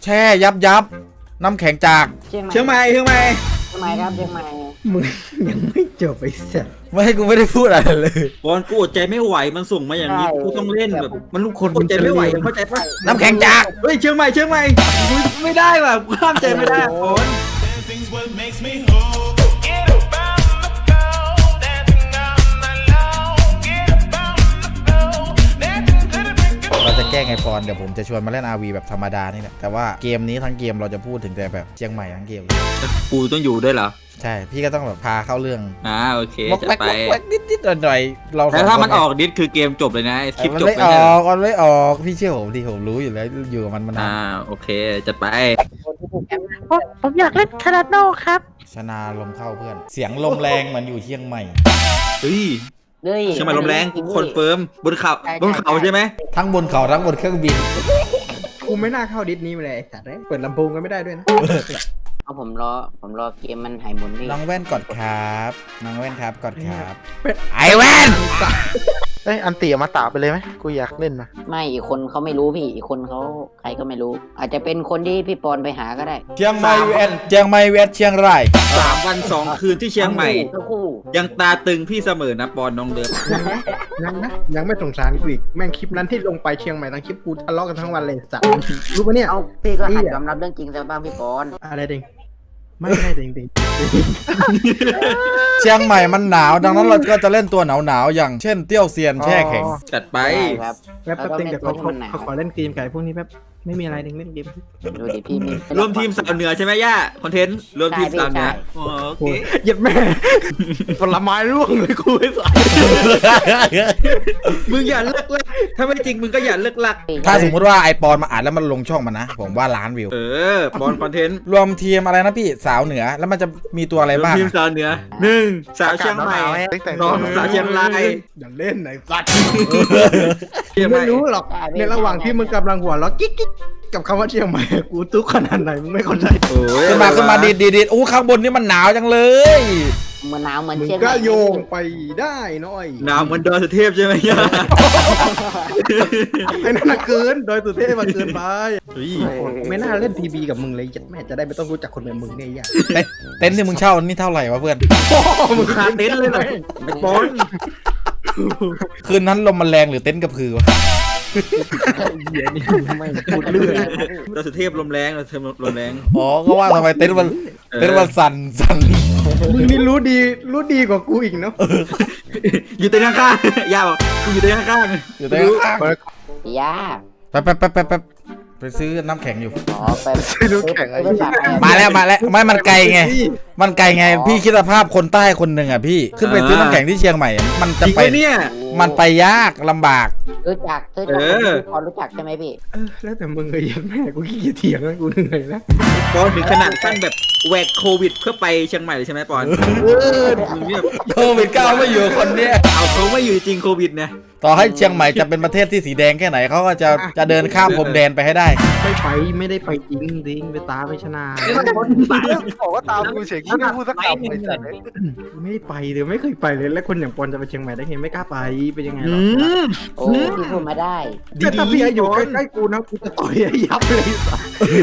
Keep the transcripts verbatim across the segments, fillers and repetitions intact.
แช่ยับยับน้ำแข็งจากเชียงใหม่เชียงใหม่เชียงใหม่เชียงใหม่ครับเชียงใหม่มึงยังไม่จบไอ้สัสไม่ให้กูไม่ได้พูดอะไรเลยบอลกูอดใจไม่ไหวมันส่งมาอย่างนี้กูต้องเล่นแบบมันลูกคนอดใจไม่ไหวเข้าใจปะน้ำแข็งจากเฮ้ยเชียงใหม่เชียงใหม่กูไม่ได้ว่ะกูห้ามใจไม่ได้บอล Dancing's what makes me whole. Get up on the floor, dancing all night long. Get up on the floor, dancing to the break of เราจะแกล้งไอปอนเดี๋ยวผมจะชวนมาเล่น อาร์ วี แบบธรรมดานี่แหละแต่ว่าเกมนี้ทั้งเกมเราจะพูดถึงแต่แบบเชียงใหม่ทั้งเกมกูต้องอยู่ด้วยเหรอใช่พี่ก็ต้องแบบพาเข้าเรื่องอ่าโอเควอกจะแวกไปวอกแวกนิดนิดหน่อยหน่อยๆเราสงแล้วถ้ามันคออกดิสคือเกมจบเลยนะคลิปมันจบไม่ไม่อใช่อกมันไม่ออกพี่เชื่อผมดิผมรู้อยู่แล้วอยู่กับมันมานานอ่าโอเคจะไปผมอยากเล่นคาราโน่ครับชนะลมเข้าเพื่อน เสียงลมแรงเหมือนอยู่เชียงใหม่เฮ้ยเฮ้ยเชียงใหม่ลมแรงกูคอนเฟิร์มบนเขาบนเขาใช่ไหมทั้งบนเขาทั้งบนเครื่องบินกูไม่น่าเข้าดิสนี้มาเลยไอ้สัสเลยเปิดลำโพงก็ไม่ได้ด้วยนะเอาผมรอผมรอเกมมันหายหมุนพี่น้องแว่นกดครับน้องแว่นครับกดครับเป็นไอแว่นเอ้ยอันตีอมาตาไปเลยไหมกูอยากเล่นนะไม่อีกคนเขาไม่รู้พี่อีกคนเขาใครก็ไม่รู้ อาจจะเป็นคนที่พี่ปอนไปหาก็ได้เชียงใหม่เวทเชียงใหม่เวทเชียงรายสามวันสองคืนที่เชียงใหม่ทั้งคู่ยังตาตึงพี่เสมอนะปอนน้องเดิมยังนะยังไม่สงสารกูอีกแม่งคลิปนั้นที่ลงไปเชียงใหม่ทั้งคลิปกูทะเลาะกันทั้งวันเลยสัสรู้ปะเนี่ยเอาพี่ก็หัดเหี้ยยอมรับเรื่องจริงซะบ้างพี่ปอนอะไรเด้งไม่ได้เด้งเด้งเชียงใหม่มันหนาวดังนั้นเราก็จะเล่นตัวหนาวหนาวๆอย่างเช่นเตี้ยวเซียนแช่แข็งจัดไปได้ครับแป๊บแป๊บเด้งเดี๋ยวเขาแล้วก็เล่นตัวที่มันหนาวเขาขอเล่นเกมไก่พวกนี้แป๊บไม่มีอะไรเด้งเล่นเกมดูดิพี่มีรวมทีมสาวเหนือใช่ไหมย่าคอนเทนต์รวมทีมสาวเหนืออ๋อโอเคเหยียดแม่ผลไม้ร่วงเลยกูไอ้สัสมึงอย่าเลิกลักถ้าไม่จริงมึงก็อย่าเลิกลักถ้าสมมุติว่าไอปอนมาอ่านแล้วมันลงช่องมันนะ ผมว่าล้านวิวเออบอลคอนเทนต์รวมทีมอะไรนะพี่สาวเหนือแล้วมันจะมีตัวอะไรรวมบ้างทีมอะสาวเหนือหนึ่งสาวเชียงใหม่แต่งสองสาวเชียงรายอย่าเล่นไหนสัสเชียงใหไม่ม่รู้หรอกในระหว่างที่มึงกำลังหัวเราะกิ๊กกิ๊กกับคำว่าเชียงใหม่กูทุกข์ขนาดไหนมึงไม่เข้าใจโอ้ยขึ้นมาขึ้นมาดีดดีดดีดอู้ข้างบนนี่มันหนาวจังเลยเหมือนหนาวเหมือนมึงเชียงใหก็ม่โยงไปได้น้อยหนาวเหมือนดอยสุเทพใช่ไหมย่าไอ้นั่นน่ะเกินโดยสุเทพมันเกินไปเฮ้ยไม่น่าเล่นทีบีกับมึงเลยแม่จะได้ไม่ต้องรู้จักคนแบบมึงเนี่ยย่าเต็นเต็นท์ที่มึงเช่านี่เท่าไหร่วะเพื่อนมึงคาเต็นท์เลยนะไอ้บอลคืนนั้นลมมันแรงหรือเต็นท์กระพือวะเหี้ยนี่ไม่พูดเรื่องดอยสุเทพลมแรงดอยสุเทพลมแรงอ๋อก็ว่าทำไมเต็นท์มันเต็นท์มันสั่นสั่นมึงนี่รู้ดีรู้ดีกว่ากูอีกเนาะอยู่เต็นท์ข้างๆย่าบอกกูอยู่เต็นท์ข้างๆอยู่เต็นท์ข้างย่าแป๊บแป๊บแป๊บแป๊บแป๊บไปซื้อน้ำแข็งอยู่อ๋อไปซื้อน้ำแข็งไอ้ไปฝากใครมาแล้วมาแล้วไม่มันไกลไง มันไกลไงพี่คิดสภาพคนใต้คนหนึ่งอ่ะพี่ขึ้นไปซื้อน้ำแข็งที่เชียงใหม่อะมันจจะริงไปไหมเนี่ยมันไปยากลำบากรู้จักรู้จักเออพี่ปอนรู้จักใช่ไหมพี่เออแล้วแต่มึงเลยยันแม่กูขี้เกียจเถียงแล้วกูเหนื่อยแล้วปอนถึงขนาดขั้นแบบแหวกโควิดเพื่อไปเชียงใหม่เลยใช่ไหมปอนมึงเนี่ยโควิดเก้าไม่อยู่คนเนี้ยเอาเขาไม่อยู่จริงโควิดเนี่ยต่อให้เชียงใหม่จะเป็นประเทศที่สีแดงแค่ไหนเขาก็จะจะเดินข้ามพรมแดนไปให้ได้ไม่ไปไม่ได้ไปจริงจริงไปตาไปชนะบอกว่าตามกูเฉยกูไม่พูดสักคำไอ้สัตว์เลยไม่ได้ไปเลยไม่เคยไปเลยแล้วคนอย่างปอนจะไปเชียงใหม่ได้ไงไม่กล้าไปเป็นยังไงหรอือมโอ้พี่พูดมาได้แต่ถ้าพี่อยู่ใกล้ๆกูนะกูจะต่อยให้ยับเลยสัส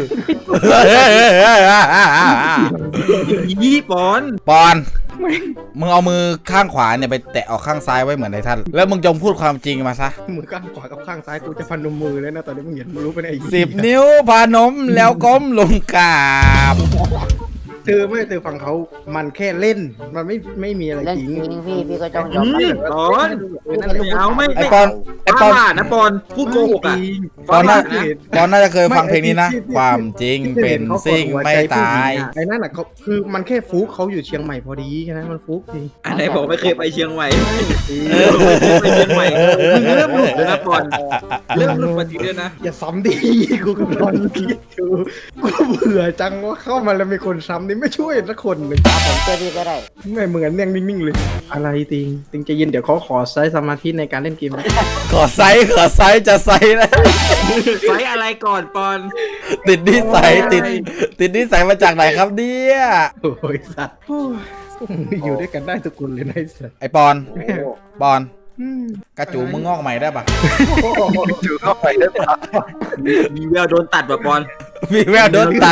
ยี่ปอนปอน มึงเอามือข้างขวาเนี่ยไปแตะออกข้างซ้ายไว้เหมือนไอ้ท่าน แล้วมึงจงพูดความจริงมาซะมือข้างขวากับข้างซ้ายกูจะพนมมือแล้วนะตอนนี้มึงเห็นมึงรู้ไปไหนไอ้สิบนิ้วพานมแล้วก้มลงกราบเธอไม่เธอฟังเขามันแค่เล่นมันไม่ไม่มีอะไรเล่นจริงจริงพี่พี่ก็ต้องยอมอืรับมปอน ไม่เอาไม่ไอปอนไอปอนว่านะปอนพูดโกหกอ่ะปอนน่านะปอนน่าจะเคยฟังเพลงนี้นะ ความจริงเป็นสิ่งไม่ตายไอ้นั่นน่ะเขาคือมันแค่ฟุกเขาอยู่เชียงใหม่พอดีแค่นั้นมันฟุกจริงอันไหนบอกไม่เคยไปเชียงใหม่เออไปเชียงใหม่มึงเริ่มหลุดแล้วนะปอนเริ่มหลุดปฏิด้วยนะอย่าซ้ำดีกูกำลังคิดอยู่กูเบื่อจังว่าเข้ามาแล้วมีคนซ้ำนี่ไม่ช่วยสักคนเลยผมช่วยพี่ก็ได้ไม่เหมือนยังนิ่งๆเลย อะไรติงติงใจเย็นเดี๋ยวเขาขอใช้สมาธิในการเล่นเกมนะขอไซส์ขอไซส์จะไซส์นะไฟอะไรก่อนปอนติดนิสัยติดติดนิสัยมาจากไหนครับเนี่ยโอ้ยสัตว์โอ้ยพวกมึงอยู่ด้วยกันได้ทุกคนเลยนะไอ้สัตว์ไอปอนปอนอืมกระจูมึงงอกใหม่ได้ปะจูเข้าไปได้ปะมีแววโดนตัดแบบบอลมีแววโดนตัด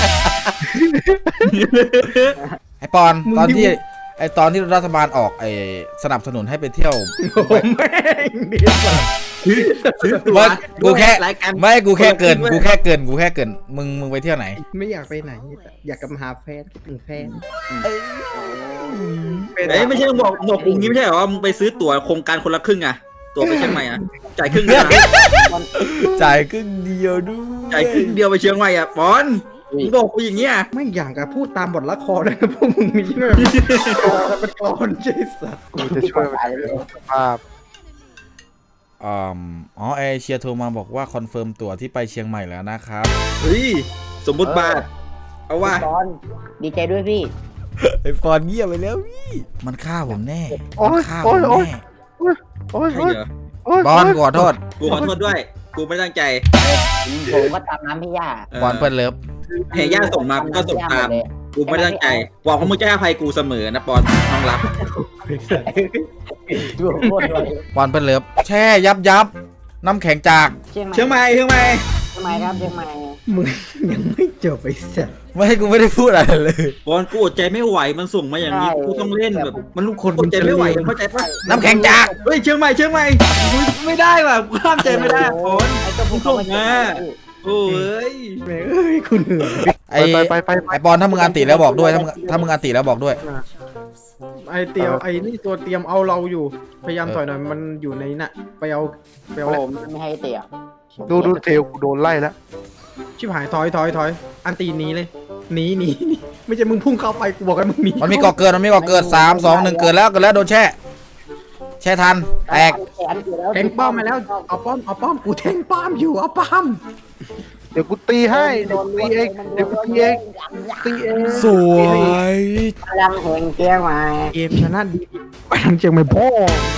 ไอปอนตอนที่ไอตอนที่รัฐบาลออกไอสนับสนุนให้ไปเที่ยวผมแม่งดีกว่าซื้อตัวว่ากูแค่รายการไม่กูแค่เกินกูแค่เกินกูแค่เกินมึงมึงไปเที่ยวไหนไม่อยากไปไหน อยากกลับมาหาแฟนคิดถึงแฟนเอ้ยไม่ใช่มึงบอกบอกกูงี้ไม่ใช่เหรอว่ามึงไปซื้อตั๋วโครงการคนละครึ่งอะตั๋วไปเชียงใหม่อะจ่ายครึ่งเดียวนะจ่ายครึ่งเดียวด้วยจ่ายครึ่งเดียวไปเชียงใหม่อะปอนมึงบอกกูอย่างเงี้ยไม่อย่างกับพูดตามบทละครเลยนะพวกมึงมีเนี่ยเป็นกรอนเจสัตกูจะช่วยมันสภาพอ๋ออ๋อไอเชียร์โทรมาบอกว่าคอนเฟิร์มตั๋วที่ไปเชียงใหม่แล้วนะครับเฮ้ยสมบทบาทเอาว่าปอนดีใจด้วยพี่ไอฟอนเงียบไปแล้วพี่มันฆ่าผมแน่โอ๊ยมันฆ่าผโอ๊มยโอ๊ยแน่โอ๊ยใช่โอ๊ยเหรอโอ๊ยบอลขอโทษกูขอโทษด้วย กูไม่ตั้งใจผมก็ตามน้ำพี่ย่าบอลเปิดเลิฟเฮย่าส่งมากูก็ส่งตาม กูไม่ตั้งใจหวังว่ามึงจะให้อภัยกูเสมอนะปอนน้องรักดูโคตรเลยบอลเปิดเลิฟแช่ยับยับน้ำแข็งจากเชียงใหม่เชียงใหม่เชียงใหม่เชียงใหม่ครับเชียงใหม่มึงยังไม่จบไอ้สัตว์ไม่ให้กูไม่ได้พูดอะไรเลยบอลกูอดใจไม่ไหวมันส่งมาอย่างนี้กูต้องเล่นแบบมันลูกคนมัอน ดใจไม่ไหวเข้าใจปะน้ำแข็งจากเฮ้ยเชียงใหม่เชียงใหม่กูไม่ได้ว่ะกูห้ามใจไม่ได้บอลไอ้เจ้าพวกเขาไม่ใช่โอ้ยแม่งเอ้ยคุณเหนื่อยไอไปไปไปไปไอปอนถ้ามึงอันติแล้วบอกด้วยถ้ามึงถ้ามึงอันติแล้วบอกด้วยไอเตียวไอนี่ตัวเตรียมเอาเราอยู่ พยายามถอยหน่อยมันอยู่ในน่ะไปเอาไปเอาโอ้แหละผมไม่ให้เตะดูดูเทลกูโดนไล่แล้วชิบหายถอยถอยถอยอันตีหนีเลยหนีหนีหนีไม่ใช่มึงพุ่งเข้าไปกูบอกให้มึงหนีมันมีก่อเกินมันมีก่อเกินสามสองหนึ่งเกินแล้วเกินแล้วโดนแช่ แช่ทันแตกแทงป้อมมาแล้วเอาป้อมเอาป้อมกูแทงป้อมอยู่เอาป้อมเดี๋ยวกูตีให้เดี๋ยวกูตีเองเดี๋ยวกูตีเองตีเองสวยพลังแห่งเชียงใหม่เกมชนะดีไปทางเชียงใหม่พ่อ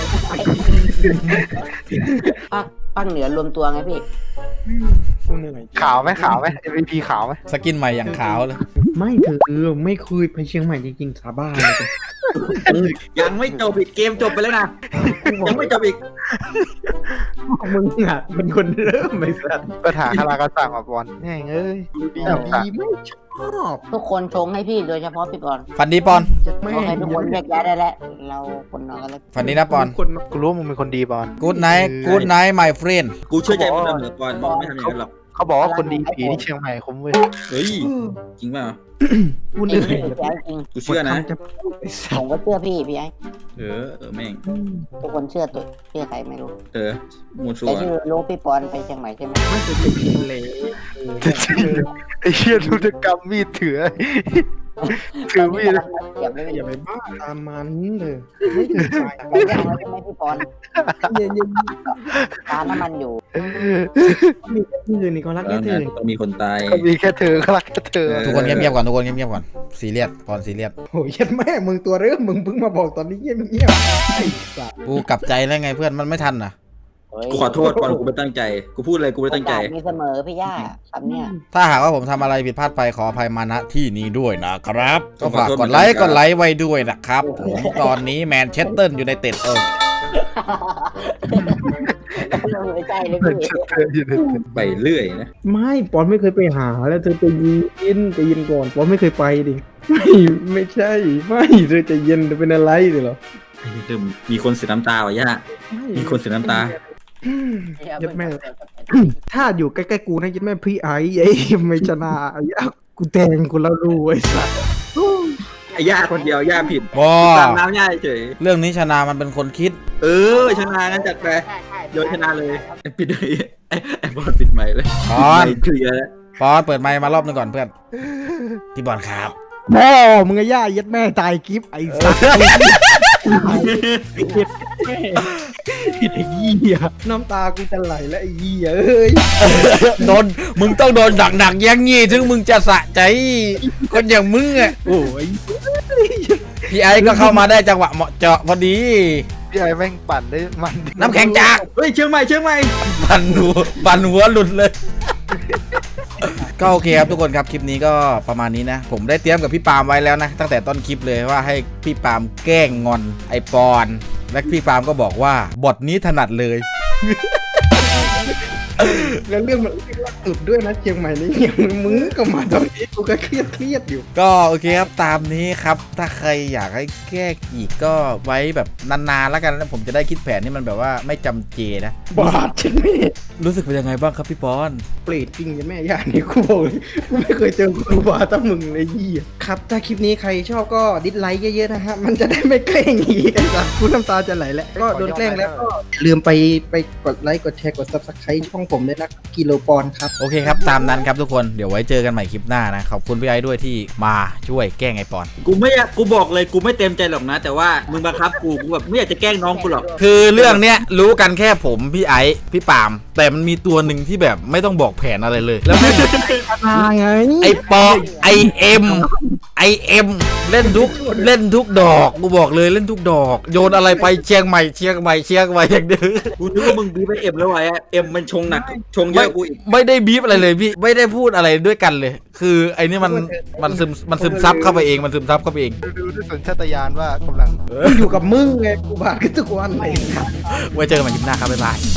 ภาคภาคเหนือรวมตัวไงพี่กูเหนื่อยขาวไหมขาวไหม เอ็ม วี พี ขาวไหมสกินใหม่อย่างขาวเลยไม่เธอไม่เคยไปเชียงใหม่จริงๆสาบานเลยยังไม่จบอีกเกมจบไปแล้วนะยังไม่จบอีกมึงอ่ะเป็นคนเริ่มไม่สัตว์ปัญหาคารากาสั่งอ่ะบอลแม่งเอ้ยดีแอบสั่งดีไม่ชอบทุกคนชงให้พี่โดยเฉพาะพี่ปอนฟันดีปอนไม่ขอให้ทุกคนแยกย้ายได้แล้วเราคนนอนกันแล้วฟันดีนะปอนคนกูรู้ว่ามึงเป็นคนดีบอลกูดไนท์กูดไนท์ my friend กูเชื่อใจมึงเสมอก่อนมึงไม่ทำอย่างนั้นหรอกเขาบอกว่าคนดีผีที่เชียงใหม่คุ้มเว้ยเฮ้ยจริงเปล่ากูเหจรินื่งอยพี่ไอ้จริงกูเชื่อนะจะไอ้สัผตมว์ก็เชื่อพี่พี่ไอ้เออเออแม่งทุกคนเชื่อตัวเชื่อใครไม่รู้เออมูชัวแต่ร์ที่รู้พี่ปอนไปเชียงใหม่ใช่ไหมไม่จะจะกินเลยไอ้เชี่ยทุกกรรมมีดถือถือมีดเก็บไว้อย่าไม่ไปบ้าตามมันเลยไม่ถึงใจได้ใช่ไหมพี่ปอนเย็นเย็นตาน้ำมันอยู่มีแค่ที่อื่นนี่ก็รักแล้แค่วเธนะอต้องมีคนตายก็มีแค่เธอก็รักแค่เธอทุกคนเงียบๆก่อนทุกคนเงียบๆก่อนซีเรียสปอนซีเรียสโอ้ยยัดแม่มึงตัวเริ่มมึงเพิ่งมาบอกตอนนี้เงียบเงียบไอ้สัตว์กูกลับใจแล้วไงเพื่อนมันไม่ทันนะกูขอโทษก่อนกูไม่ตั้งใจ กูพูดอะไรกูไม่ตั้งใจโอกาสมีเสมอพี่ย่าคำเนี้ยถ้าหากว่าผมทำอะไรผิดพลาดไปขออภัยมาณที่นี้ด้วยนะครับ ก็ฝากขอโทษกดไลค์เหมือนกันกดไลค์ไว้ด้วยนะครับ ผมตอนนี้แมนเชสเตอร์อยู่ในเต็ดเออไม่ใช่เลยเป็นพี่เธออยู่ในไปเรื่อยนะไม่ปอนไม่เคยไปหาแล้วเธอไปยินไปยินก่อนปอนไม่เคยไปดิไม่ไม่ใช่ไม่เธอจะเย็นจะเป็นอะไรดิเหรอเริ่มมีคนเสียน้ำตาว่ะย่ามีคนเสียน้ำตายัดแม่ ถ้าอยู่ใกล้ๆกูนะยัดแม่พี่ไอ้ไอ้ไม่ชนะไอ้ยะกูแทงกูแล้วรู้ไอ้สัสไอ้ย่าคนเดียวย่าผิดบอตามน้ำย่าเฉยเรื่องนี้ชนะมันเป็นคนคิดเออชนะงั้นจัดไปโยนชนะเลยไอ้ปิดเลยไอ้ไอ้บอลปิดใหม่เลยปอนไม่เคลียร์แล้วปอนเปิดไมค์มารอบหนึงก่อนเพื่อนพี่บอลครับพ่อมึงไอ้ย่ายัดแม่ตายกิฟไอ้สัสไอ้เหี้ยน้ำตากูจะไหลแล้วไอ้เหี้ยเอ้ยโดนมึงต้องโดนดักดักๆอยังงี้ถึงมึงจะสะใจคนอย่างมึงอ่ะโอ้ยพี่ไอ้ก็เข้ามาได้จังหวะเหมาะเจาะพอดีพี่ไอ้แม่งปั่นได้มันน้ำแข็งจากเฮ้ยเชียงใหม่เชียงใหม่ปั่นหัวปั่นหัวหลุดเลย ก็โอเคครับทุกคนครับคลิปนี้ก็ประมาณนี้นะ ผมได้เตรียมกับพี่ปาล์มไว้แล้วนะ ตั้งแต่ต้นคลิปเลยว่าให้พี่ปาล์มแกล้งงอนไอปอนและพี่ปาล์มก็บอกว่าบทนี้ถนัดเลยแล้วเรื่องมันเรื่องล่าสุดด้วยนะเชียงใหม่นี่ยังมึงก็มาตอนนี้กูก็เครียดเครียดอยู่ก็โอเคครับตามนี้ครับ ถ้าใครอยากให้แก้อีกก็ไว้แบบนานๆแล้วกันแล้วผมจะได้คิดแผนที่มันแบบว่าไม่จำเจนะบาดใช่ไหมรู้สึกเป็นยังไงบ้างครับพี่ปอนเปรตจริงยังแม่ย่านี่กูบอกเลยกูไม่เคยเจอครูบาตั้งมึงเลยยี่ครับถ้าคลิปนี้ใครชอบก็ดิสไลค์เยอะๆนะฮะมันจะได้ไม่แกล้งอีกไอ้สัสกูน้ำตาจะไหลแล้วก็โดนแกล้งแล้วก็อย่าลืมไปไปกดไลค์กดแชร์กด ซับสไครบ์ ช่องผมด้วยนะกิโลปอนด์ครับโอเคครับตามนั้นครับทุกคนเดี๋ยวไว้เจอกันใหม่คลิปหน้านะขอบคุณพี่ไอ้ด้วยที่มาช่วยแกล้งไอ้ปอนกูไม่อยากกูบอกเลยกูไม่เต็มใจหรอกนะ แต่ว่ามึงบังคับกูกูแบบไม่อยากจะแกล้งน้องกูหรอกคือเรื่องเนี้ยรู้กันแค่ผมพี่ไอ้พี่ปาล์มแต่มันมีตัวหนึ่งที่แบบไม่ต้องบอกแผนอะไรเลย แล้วแม่งมาไงไอ้ปอไอเอ็มไอเอ็มเล่นทุกเล่นทุกดอกกูบอกเลยเล่นทุกดอก โยนอะไรไปเชียงใหม่เชียงใหม่เชียงใหม่อย่างเดิมกูนึกว่ามึงบีบไปเอ็มแล้วไอ้เอ็มมันชงหนักชงเยไม่อะกูอีกไม่ได้บีบอะไรเลยพี่ไม่ได้พูดอะไรด้วยกันเลย คือไอ้นี่มันมันซึมมันซึมซับเข้าไปเองมันซึมซับเข้าไปเองดูด้วยสัญชาตญาณว่ากำลังกูอยู่กับมึงไงกูบาดกันทุกวันเลยไว้เจอกันใหม่คลิปหน้าครับบ๊ายบาย